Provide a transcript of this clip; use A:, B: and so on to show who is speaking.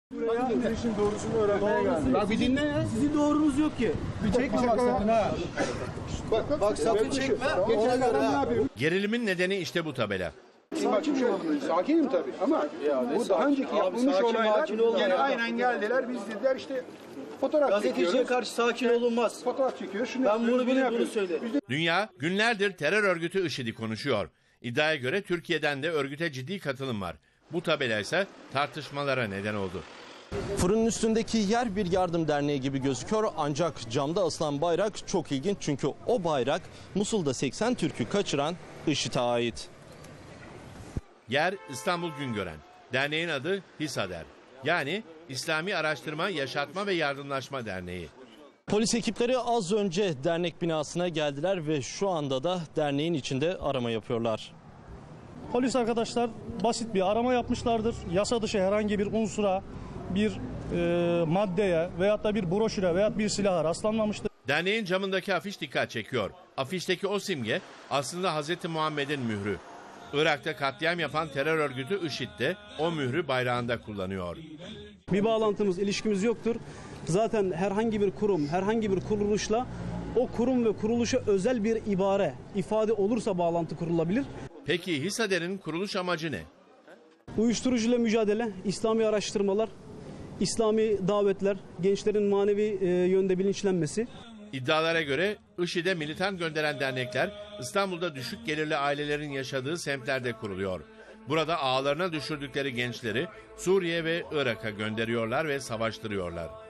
A: Buraya işin doğrusunu öğrenmeye geldim.
B: Bak bir dinle ya.
A: Sizin doğrunuz yok ki. Bir çekme bak sakın ha.
B: Bak sakın çekme. Ona göre ha.
C: Gerilimin nedeni işte bu tabela.
B: Sakinim tabii ama bu daha önceki yapılmış olaylar gene aynen geldiler. Biz dediler işte fotoğraf
A: Gazeteciye
B: çekiyoruz.
A: karşı sakin olunmaz.
B: Fotoğraf çekiyor. Şunu
A: Ben
B: yapıyoruz,
A: bunu bilirim, bunu
B: yapıyoruz.
A: söyle.
C: Dünya günlerdir terör örgütü IŞİD'i konuşuyor. İddiaya göre Türkiye'den de örgüte ciddi katılım var. Bu tabela ise tartışmalara neden oldu.
D: Fırının üstündeki yer bir yardım derneği gibi gözüküyor ancak camda asılan bayrak çok ilginç çünkü o bayrak Musul'da 80 Türk'ü kaçıran IŞİD'e ait.
C: Yer İstanbul Güngören. Derneğin adı HİSADER. Yani İslami Araştırma, Yaşatma ve Yardımlaşma Derneği.
D: Polis ekipleri az önce dernek binasına geldiler ve şu anda da derneğin içinde arama yapıyorlar.
E: Polis arkadaşlar basit bir arama yapmışlardır. Yasa dışı herhangi bir unsura, bir maddeye veyahut da bir broşüre veyahut bir silaha rastlanmamıştır.
C: Derneğin camındaki afiş dikkat çekiyor. Afişteki o simge aslında Hz. Muhammed'in mührü. Irak'ta katliam yapan terör örgütü IŞİD de o mührü bayrağında kullanıyor.
F: Bir bağlantımız, ilişkimiz yoktur. Zaten herhangi bir kurum, herhangi bir kuruluşla o kurum ve kuruluşa özel bir ibare, ifade olursa bağlantı kurulabilir.
C: Peki HİSADER'in kuruluş amacı ne?
F: Uyuşturucuyla mücadele, İslami araştırmalar, İslami davetler, gençlerin manevi yönde bilinçlenmesi.
C: İddialara göre IŞİD'e militan gönderen dernekler İstanbul'da düşük gelirli ailelerin yaşadığı semtlerde kuruluyor. Burada ağlarına düşürdükleri gençleri Suriye ve Irak'a gönderiyorlar ve savaştırıyorlar.